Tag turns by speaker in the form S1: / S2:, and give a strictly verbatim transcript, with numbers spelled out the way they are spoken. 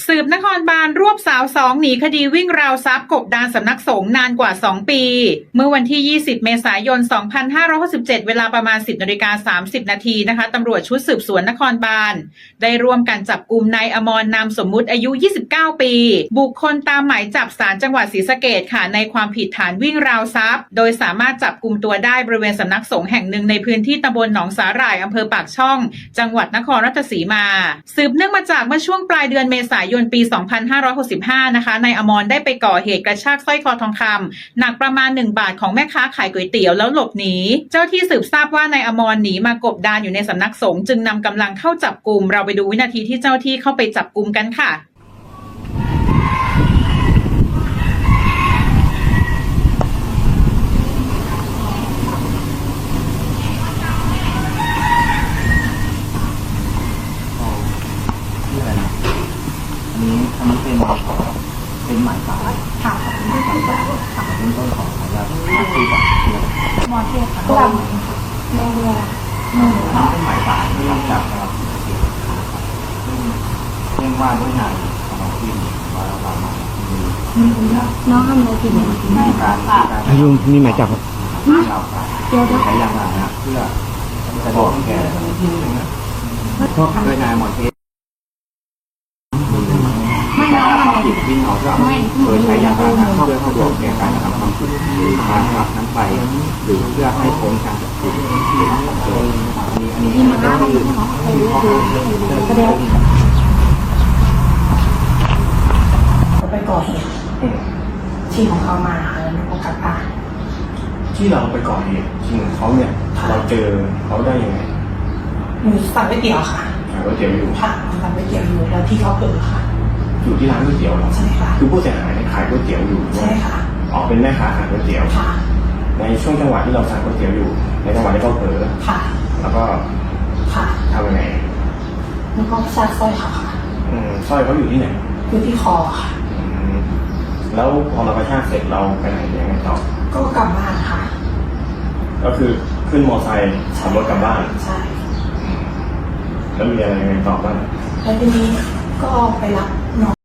S1: สืบนครบาลรวบสาวสองหนีคดีวิ่งราวทรัพย์กบดานสำนักสงฆ์นานกว่าสองปีเมื่อวันที่ยี่สิบเมษายนสองพันห้าร้อยหกสิบเจ็ดเวลาประมาณ สิบนาฬิกาสามสิบนาทีนะคะตำรวจชุดสืบสวนนครบาลได้ร่วมกันจับกุมนายอมรนามสมมุติอายุยี่สิบเก้าปีบุคคลตามหมายจับศาลจังหวัดศรีสะเกษค่ะในความผิดฐานวิ่งราวทรัพย์โดยสามารถจับกุมตัวได้บริเวณสำนักสงฆ์แห่งหนึ่งในพื้นที่ตำบลหนองสาหร่ายอำเภอปากช่องจังหวัดนครราชสีมาสืบเนื่องมาจากเมื่อช่วงปลายเดือนเมษายนปีสองพันห้าร้อยหกสิบห้านะคะนายอมรได้ไปก่อเหตุกระชากสร้อยคอทองคำหนักประมาณหนึ่งบาทของแม่ค้าขายก๋วยเตี๋ยวแล้วหลบหนีเจ้าที่สืบทราบว่านายอมรหนีมากบดานอยู่ในสำนักสงฆ์จึงนำกำลังเข้าจับกุมเราไปดูวินาทีที่เจ้าที่เข้าไปจับกุมกันค่ะ
S2: อันนี้อันนี้เป็นเป็นหมายสารค่ะเป็นหมายสารค่ะเป็นต้นของของเราคุยกับเพื่อนมอเทสค่ะก็แม่เรืออืมเป็นหมายสารที่จับเราเรียกว่าด้วยนายของเราที่ว่าเรามา
S3: น้องทำอะไรผิดเนี่ยไม่
S2: การการ
S4: อายุมีหมายจับครับ
S2: เรา
S3: เดี๋ยว
S2: ใช้ยางพาราเพื่อจะบอกแกด้วยนายมอเทส
S3: ไม่น้องทำอะไรผิด
S2: วิ่งเอาเพื่อโดยใช้ยาพาราเพื่อเข้าร่วมแก่การกระทำความผิดหรือการรับนั้นไปหรือเพื่อให้พ้นการจับกุมอันนี้อันนี้มันก็คือ
S3: แสดง
S5: เขาไปก่อเหตุที่ของเขามาค่ะแล้วก็กลับบ้าน
S6: ที่เราไปก่อเหตุจริงเขาเนี่ยเราเจอเขาได้ยังไง
S5: หนูสั่งก๋วยเตี๋ยวค่ะ
S6: ขายก๋วยเตี๋ยวอยู่
S5: ค่ะสั่งก๋วยเตี๋ยวอยู่แล้วที่เขาเผลอค่ะ
S6: อยู่ที่ร้านก๋วยเตี๋ยวเหรอ
S5: ใช่ค่ะ
S6: คือผู้เสียหายเนี่ยขายก๋วยเตี๋ยวอยู่
S5: ใช่ค่ะ
S6: อ๋อเป็นแม่ค้าขายก๋วยเตี๋ยว
S5: ค่ะ
S6: ในช่วงจังหวะที่เราสั่งก๋วยเตี๋ยวอยู่ในจังหวะที่เขาเผลอ
S5: ค่ะ
S6: แล้วก็
S5: ค่ะ
S6: ทำยังไง
S5: แล้วก็ซักสร้อยเขาค่ะ
S6: อืมสร้อยเขาอยู่ที่ไหน
S5: อยู่ที่คอค่ะ
S6: อืมแล้วพอเรากระชากเสร็จเราไปไหนยังไงต่อ
S5: ก็กลับบ้านค่ะ
S6: ก็คือขึ้นมอไซค์ขับรถกลับบ้าน
S5: ใช่
S6: แล้วมีอะไรยังไงต่อบ้าง
S5: แล้วทีนี้ก็ไปรับน้อง